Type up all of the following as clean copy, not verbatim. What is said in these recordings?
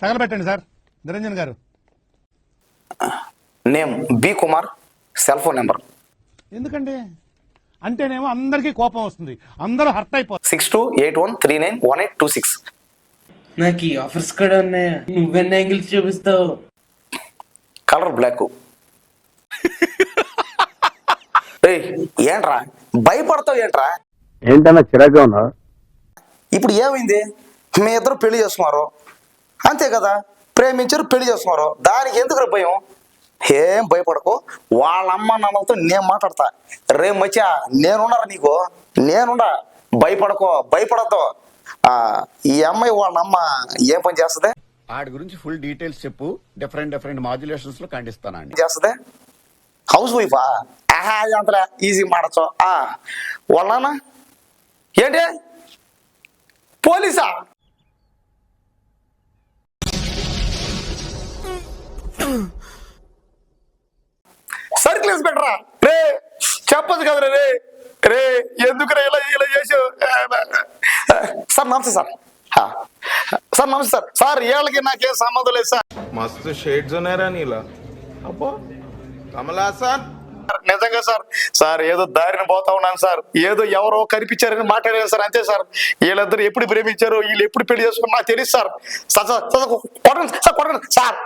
తగలబెట్టండి sir. Niranjan garu name B Kumar, cell phone number ఎందుకండి అంటేనేమో అందరికీ కోపం వస్తుంది, అందరూ హర్ట్ అయిపోతారు. 6281391826. నాకు ఈ ఆఫర్స్ కూడా ఉన్నాయా? నువ్వెన్ని యాంగిల్స్ చూపిస్తావు? Colour black. ఏంట్రా భయపడతావు ఏంట్రా? ఏంటన్నా చిరాగ్గా ఉన్నావు? ఇప్పుడు ఏమైంది? మీ ఇద్దరు పెళ్లి చేసుకున్నారు అంతే కదా, ప్రేమించారు పెళ్లి చేసుకున్నారు, దానికి ఎందుకు భయం? ఏం భయపడకు, వాళ్ళ అమ్మ నాన్నలతో నేను మాట్లాడతా. రేపు మచ్చా నేనున్నారా నీకు, నేనుండా, భయపడకో, భయపడద్దు. ఈ అమ్మాయి వాళ్ళ అమ్మ ఏం పని చేస్తుంది? వాడి గురించి ఫుల్ డీటెయిల్స్ చెప్పు, డిఫరెంట్ మాడ్యులేషన్స్ లో ఖండిస్తానండి. చేస్తుంది హౌస్ వైఫా? అంతలే ఈజీ మాడచ్చు. వాళ్ళనా ఏంటి పోలీసా? సర్కిల్ ఇన్స్పెక్టరా? రే చెప్పదు కదరా రే. రే ఎందుకు ఇలా ఇలా చేసావు? సార్ నమస్తే సార్. సార్ నమస్తే సార్. సార్ వీళ్ళకి నాకేం సంబంధం లేదు సార్. मस्त शेड्स ఉన్నాయరా నీలా. అబ్బో కమలాసన్. నిజంగా సార్, సార్ ఏదో దారిన పోతా ఉన్నాను సార్, ఏదో ఎవరో కనిపించారని మాట్లాడాను సార్, అంతే సార్. వీళ్ళిద్దరు ఎప్పుడు ప్రేమించారు, వీళ్ళు ఎప్పుడు పెళ్లి చేసుకున్నారు నాకు తెలియదు సార్. కొట్టండి సార్, కొట్టండి సార్.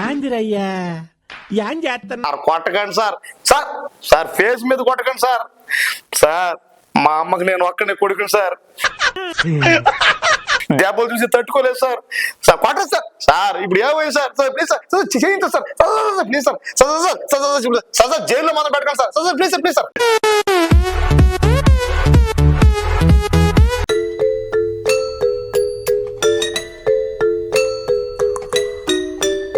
కొట్టకండి సార్. సార్ సార్ ఫేస్ మీద కొట్టకండి సార్. సార్ మా అమ్మకి నేను ఒక్కడే కొడుకుని సార్, దెబ్బలు చూసి తట్టుకోలేదు సార్. సార్ కొట్టండి సార్. సార్ ఇప్పుడు ఏమైంది సార్? సార్ ప్లీజ్ సార్, చేయించండి సార్, ప్లీజ్ సార్. సార్ జైల్లో మనం పెట్టకండి sir. Sir please sir, please sir.